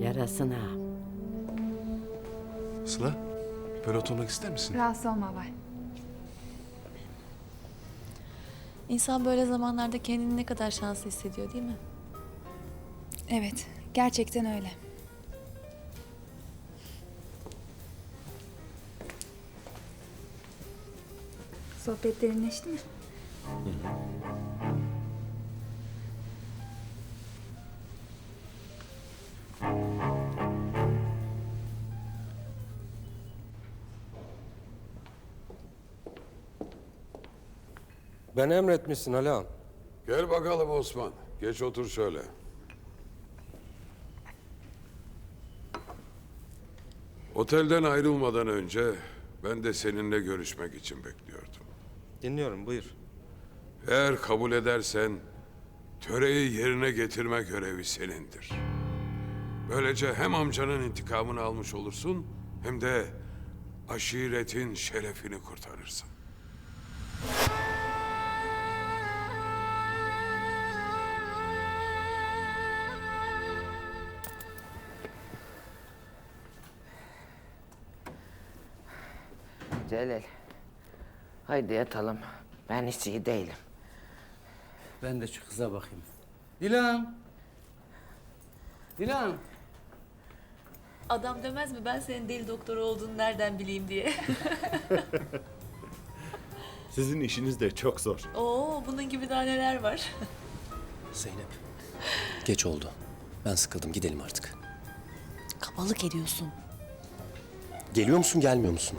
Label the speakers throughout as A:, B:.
A: yarasına.
B: Sıla, böyle oturmak ister misin?
C: Rahatsız olma Abay.
D: İnsan böyle zamanlarda kendini ne kadar şanslı hissediyor değil mi?
C: Evet, gerçekten öyle. Sohbet derinleşti mi?
E: Ben emretmişsin Ali Ağam.
F: Gel bakalım Osman. Geç otur şöyle. Otelden ayrılmadan önce ben de seninle görüşmek için bekliyordum.
E: Dinliyorum, buyur.
F: Eğer kabul edersen töreyi yerine getirme görevi senindir. Böylece hem amcanın intikamını almış olursun hem de aşiretin şerefini kurtarırsın.
A: Celal. Haydi yatalım. Ben hiç iyi değilim.
G: Ben de şu kıza bakayım. Dilan! Dilan!
D: Adam demez mi ben senin deli doktor olduğunu nereden bileyim diye.
H: Sizin işiniz de çok zor.
D: Oo bunun gibi daha neler var.
I: Zeynep, geç oldu. Ben sıkıldım, gidelim artık.
D: Kabalık ediyorsun.
I: Geliyor musun, gelmiyor musun?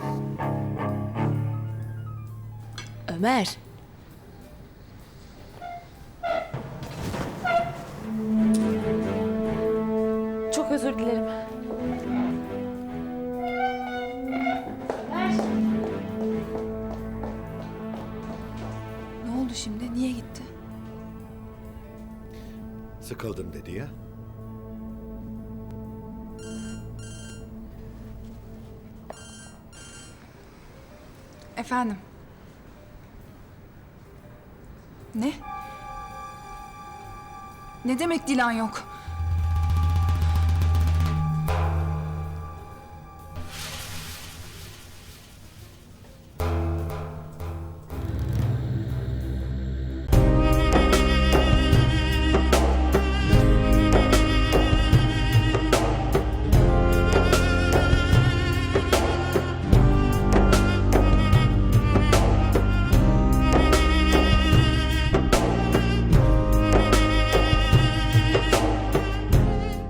D: Ömer. Çok özür dilerim.
C: Ne oldu şimdi? Niye gitti?
H: Sıkıldım dedi ya.
C: Efendim? Ne? Ne demek Dilan yok?